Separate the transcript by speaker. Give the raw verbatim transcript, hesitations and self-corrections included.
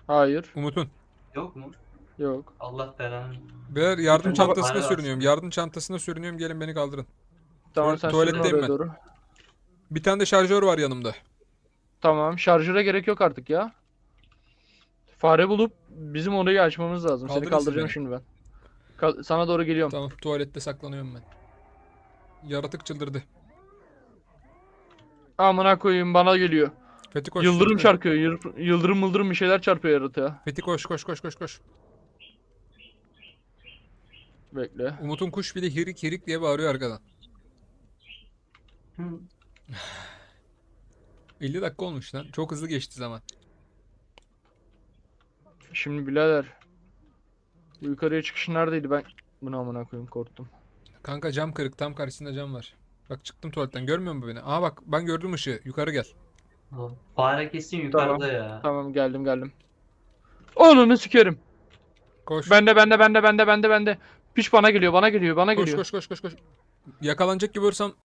Speaker 1: Hayır.
Speaker 2: Umut'un.
Speaker 3: Yok mu?
Speaker 1: Yok.
Speaker 3: Allah belanı.
Speaker 2: Beyler yardım
Speaker 3: Bir tane
Speaker 2: çantasına
Speaker 3: fare var.
Speaker 2: sürünüyorum. Yardım çantasına sürünüyorum. Gelin beni kaldırın.
Speaker 1: Tamam
Speaker 2: Tuval-
Speaker 1: sen sürün
Speaker 2: tuvaletteyim
Speaker 1: oraya
Speaker 2: ben.
Speaker 1: doğru.
Speaker 2: Bir tane de şarjör var yanımda.
Speaker 1: Tamam. Şarjöre gerek yok artık ya. Fare bulup bizim orayı açmamız lazım. Seni
Speaker 2: Kaldırın siz
Speaker 1: kaldıracağım
Speaker 2: beni.
Speaker 1: şimdi ben. Ka- sana doğru geliyorum.
Speaker 2: Tamam, tuvalette saklanıyorum ben. Yaratık çıldırdı.
Speaker 1: Amına koyayım bana geliyor.
Speaker 2: Fethi koş.
Speaker 1: Yıldırım
Speaker 2: Fethi,
Speaker 1: çarpıyor. yır- Yıldırım mıldırım bir şeyler çarpıyor yaratığa.
Speaker 2: Fethi koş koş koş koş koş.
Speaker 1: Bekle.
Speaker 2: Umut'un kuş bile hirik hirik diye bağırıyor arkadan.
Speaker 3: Hı.
Speaker 2: elli dakika olmuş lan. Çok hızlı geçti zaman.
Speaker 1: Şimdi birader. Bu yukarıya çıkış neredeydi ben? Bunu amına koyayım korktum.
Speaker 2: Kanka cam kırık. Tam karşısında cam var. Bak çıktım tuvaletten. Görmüyor musun beni? Aa bak ben gördüm ışığı. Yukarı gel.
Speaker 3: Fare kesin yukarıda ya.
Speaker 1: Tamam geldim geldim. Onunu sikerim.
Speaker 2: Koş.
Speaker 1: Bende bende bende bende bende bende. Piç bana geliyor bana geliyor bana
Speaker 2: Koş
Speaker 1: geliyor.
Speaker 2: koş koş koş koş. Yakalanacak gibi olursam